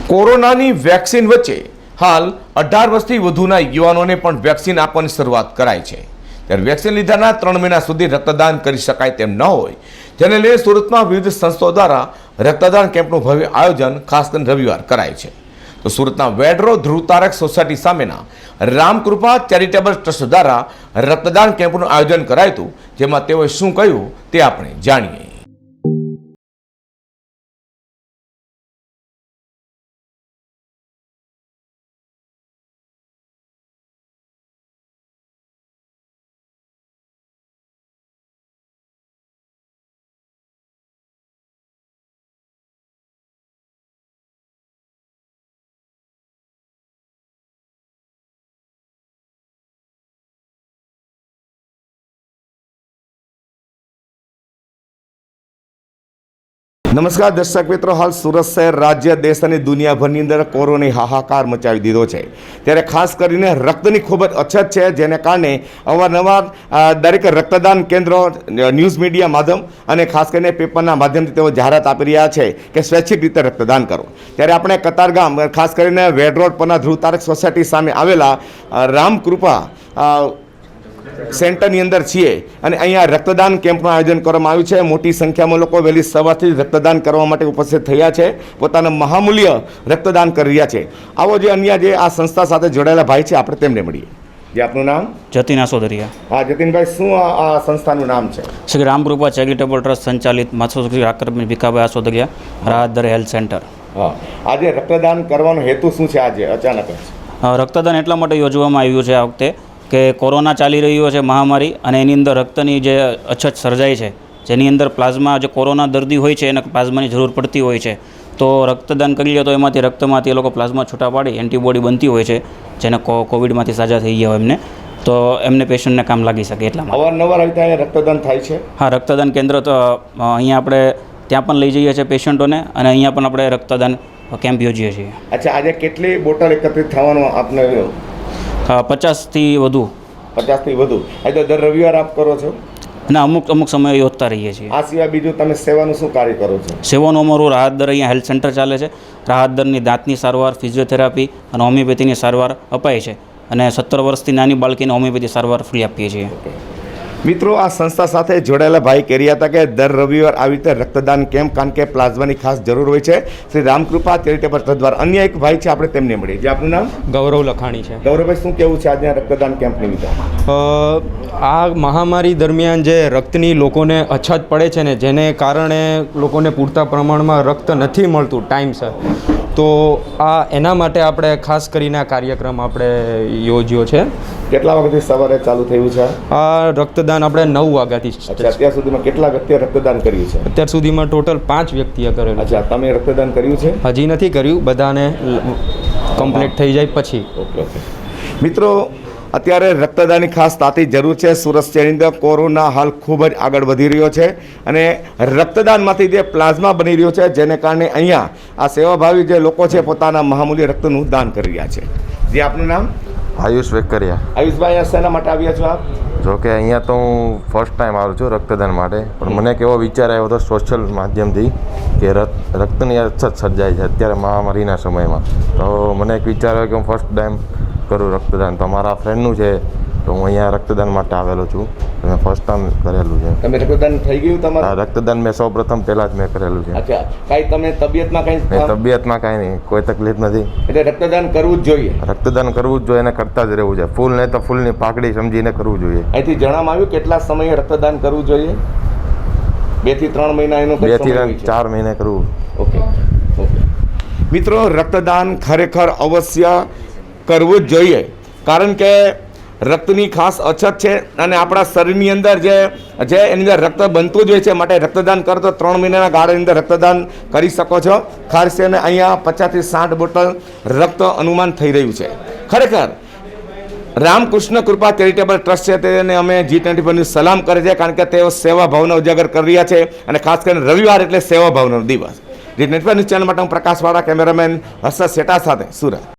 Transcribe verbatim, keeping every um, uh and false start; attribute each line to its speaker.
Speaker 1: કોરોનાની વેક્સિન વચ્ચે હાલ અઢાર વર્ષથી વધુના યુવાનોને પણ વેક્સિન આપવાની શરૂઆત કરાઈ છે। ત્યારે વેક્સિન લીધાના ત્રણ મહિના સુધી રક્તદાન કરી શકાય તેમ ન હોય, જેને લઈને સુરતમાં વિવિધ સંસ્થાઓ દ્વારા રક્તદાન કેમ્પનું ભવ્ય આયોજન ખાસ કરીને રવિવાર કરાય છે। તો સુરતના વેડરો ધ્રુવતારક સોસાયટી સામેના રામકૃપા ચેરિટેબલ ટ્રસ્ટ દ્વારા રક્તદાન કેમ્પનું આયોજન કરાયું હતું, જેમાં તેઓએ શું કહ્યું તે આપણે જાણીએ। નમસ્કાર દર્શક મિત્રો, હાલ સુરત શહેર રાજ્ય દેશ અને દુનિયાભરની અંદર કોરોનાએ હાહાકાર મચાવી દીધો છે। ત્યારે ખાસ કરીને રક્તની ખૂબ જ અછત છે, જેને કારણે અવારનવાર દરેક રક્તદાન કેન્દ્રો ન્યૂઝ મીડિયા માધ્યમ અને ખાસ કરીને પેપરના માધ્યમથી તેઓ જાહેરાત આપી રહ્યા છે કે સ્વૈચ્છિક રીતે રક્તદાન કરો। ત્યારે આપણે કતારગામ ખાસ કરીને વેડ રોડ પરના ધ્રુવતારક સોસાયટી સામે આવેલા રામકૃપા સેન્ટરની અંદર છીએ અને અહીંયા રક્તદાન કેમ્પનું આયોજન કરવામાં આવ્યું છે। મોટી સંખ્યામાં લોકો વહેલી સવારથી રક્તદાન કરવા માટે ઉપસ્થિત થયા છે, પોતાના મહામૂલ્ય રક્તદાન કરી રહ્યા છે। આવો જે અન્ય જે આ સંસ્થા સાથે જોડાયેલા ભાઈ છે, આપણે તેમને મળીએ। જે આપનું નામ?
Speaker 2: જતીન આસોદરિયા।
Speaker 1: હા જતીનભાઈ, શું આ સંસ્થાનું નામ છે?
Speaker 2: શ્રી રામકૃપા ચેરિટેબલ ટ્રસ્ટ સંચાલિત માથુશ્રી આકરબેન ભીખાભાઈ આસોદરિયા રાહતદર હેલ્થ સેન્ટર।
Speaker 1: હા, આજે રક્તદાન કરવાનો હેતુ શું છે? આજે અચાનક
Speaker 2: રક્તદાન એટલા માટે યોજવામાં આવ્યું છે આ વખતે કે કોરોના ચાલી રહ્યો છે મહામારી, અને એની અંદર રક્તની જે અછત સર્જાય છે, જેની અંદર પ્લાઝમા જે કોરોના દર્દી હોય છે એને પ્લાઝમાની જરૂર પડતી હોય છે, તો રક્તદાન કરીએ તો એમાંથી રક્તમાંથી એ લોકો પ્લાઝમા છૂટા પાડી એન્ટીબોડી બનતી હોય છે, જેને કોવિડમાંથી સાજા થઈ ગયા હોય એમને, તો એમને પેશન્ટને કામ લાગી શકે એટલા માટે
Speaker 1: અવારનવાર આવી ત્યાં રક્તદાન થાય છે।
Speaker 2: હા, રક્તદાન કેન્દ્ર તો અહીંયા આપણે ત્યાં પણ લઈ જઈએ છીએ પેશન્ટોને, અને અહીંયા પણ આપણે રક્તદાન કેમ્પ યોજીએ છીએ।
Speaker 1: અચ્છા, આજે કેટલી બોટલ એકત્રિત થવાનો આપને?
Speaker 2: પચાસથી વધુ
Speaker 1: પચાસથી વધુ આ તો દર રવિવાર આપ કરો છો?
Speaker 2: અને અમુક અમુક સમયે યોજતા રહીએ છીએ।
Speaker 1: આ સિવાય બીજું તમે સેવાનું શું કાર્ય કરો છો?
Speaker 2: સેવાનું અમારું રાહતદર અહીંયા હેલ્થ સેન્ટર ચાલે છે। રાહતદરની દાંતની સારવાર, ફિઝિયોથેરાપી અને હોમિયોપેથીની સારવાર અપાય છે, અને સત્તર વર્ષથી નાની બાળકીને હોમિયોપેથી સારવાર ફ્રી આપીએ છીએ।
Speaker 1: મિત્રો, આ સંસ્થા સાથે જોડાયેલા ભાઈ કહી રહ્યા હતા કે દર રવિવાર આવી રીતે રક્તદાન કેમ્પ, કારણ કે પ્લાઝમાની ખાસ જરૂર હોય છે, શ્રી રામકૃપા ચેરિટેબલ ટ્રસ્ટ દ્વારા। અન્ય એક ભાઈ છે, આપણે તેમને મળીએ। જે આપનું નામ?
Speaker 3: ગૌરવ લખાણી છે।
Speaker 1: ગૌરવભાઈ, શું કહેવું છે આજના રક્તદાન કેમ્પ નિમિત્તે?
Speaker 3: આ મહામારી દરમિયાન જે રક્તની લોકોને અછત પડે છે ને, જેને કારણે લોકોને પૂરતા પ્રમાણમાં રક્ત નથી મળતું ટાઈમસર, તો આ એના માટે આપણે ખાસ કરીને આ કાર્યક્રમ આપણે યોજ્યો છે।
Speaker 1: કેટલા વાગ્યાથી સવારે ચાલુ થયું છે
Speaker 3: આ રક્તદાન? આપણે નવ વાગ્યાથી।
Speaker 1: અત્યાર સુધીમાં કેટલા વ્યક્તિએ રક્તદાન કર્યું છે?
Speaker 3: અત્યાર સુધીમાં ટોટલ પાંચ વ્યક્તિએ કરેલું।
Speaker 1: અચ્છા, તમે રક્તદાન કર્યું છે?
Speaker 3: હજી નથી કર્યું, બધાને કમ્પ્લીટ થઈ જાય પછી।
Speaker 1: ઓકે ઓકે મિત્રો, અત્યારે રક્તદાનની ખાસ તાતી જરૂર છે। સુરત શહેરની અંદર કોરોના હાલ ખૂબ જ આગળ વધી રહ્યો છે, અને રક્તદાનમાંથી જે પ્લાઝમા બની રહ્યો છે, જેને કારણે અહીંયા આ સેવાભાવી જે લોકો છે પોતાના મહામૂલ્ય રક્તનું દાન કરી રહ્યા છે। જે આપનું નામ?
Speaker 4: આયુષ વેકરિયા।
Speaker 1: આયુષભાઈ, આ શેના માટે આવ્યા છો આપ?
Speaker 4: જો કે અહીંયા તો હું ફર્સ્ટ ટાઈમ આવું છું રક્તદાન માટે, પણ મને કેવો વિચાર આવ્યો હતો સોશિયલ માધ્યમથી કે રક્તની અછત સર્જાય છે અત્યારે મહામારીના સમયમાં, તો મને એક વિચાર આવ્યો કે હું ફર્સ્ટ ટાઈમ કરું રક્તદાન, તો મારા ફ્રેન્ડનું છે, તો હું અહીંયા રક્તદાન માટે આવેલો છું। મેં ફર્સ્ટ ટાઈમ કરેલું છે।
Speaker 1: તમે રક્તદાન થઈ ગયું તમારું?
Speaker 4: રક્તદાન મેં સૌ પ્રથમ પહેલાં જ મેં કરેલું છે।
Speaker 1: અચ્છા, કાંઈ તમે તબિયતમાં કંઈ?
Speaker 4: તબિયતમાં કાંઈ નહીં, કોઈ તકલીફ નથી,
Speaker 1: એટલે રક્તદાન કરવું જ જોઈએ?
Speaker 4: રક્તદાન કરવું જ જોઈએ, એને કરતા જ રહેવું છે। ફૂલ નહીં તો ફૂલની પાકડી સમજીને કરવું જોઈએ।
Speaker 1: અહીંથી જણાવવામાં આવ્યું કેટલા સમયે રક્તદાન કરવું જોઈએ? બે થી ત્રણ મહિના એનો
Speaker 4: બે થી ચાર મહિને કરવું।
Speaker 1: ઓકે ઓકે મિત્રો, રક્તદાન ખરેખર અવશ્ય કરવું જ જોઈએ, કારણ કે રક્તની ખાસ અછત છે, અને આપણા શરીરની અંદર જે જે એની અંદર રક્ત બનતું જ હોય છે, માટે રક્તદાન કરો તો ત્રણ મહિનાના ગાળાની અંદર રક્તદાન કરી શકો છો। ખાસ કરીને અહીંયા પચાસથી સાઠ બોટલ રક્ત અનુમાન થઈ રહ્યું છે। ખરેખર રામકૃષ્ણ કૃપા ચેરિટેબલ ટ્રસ્ટ છે તેને અમે જી ટ્વેન્ટી ફોરની સલામ કરે છે, કારણ કે તેઓ સેવા ભાવના ઉજાગર કરી રહ્યા છે, અને ખાસ કરીને રવિવાર એટલે સેવા ભાવનાનો દિવસ। G twenty four news channel માટે હું પ્રકાશવાળા, કેમેરામેન હર્ષદ શેઠા સાથે સુરત।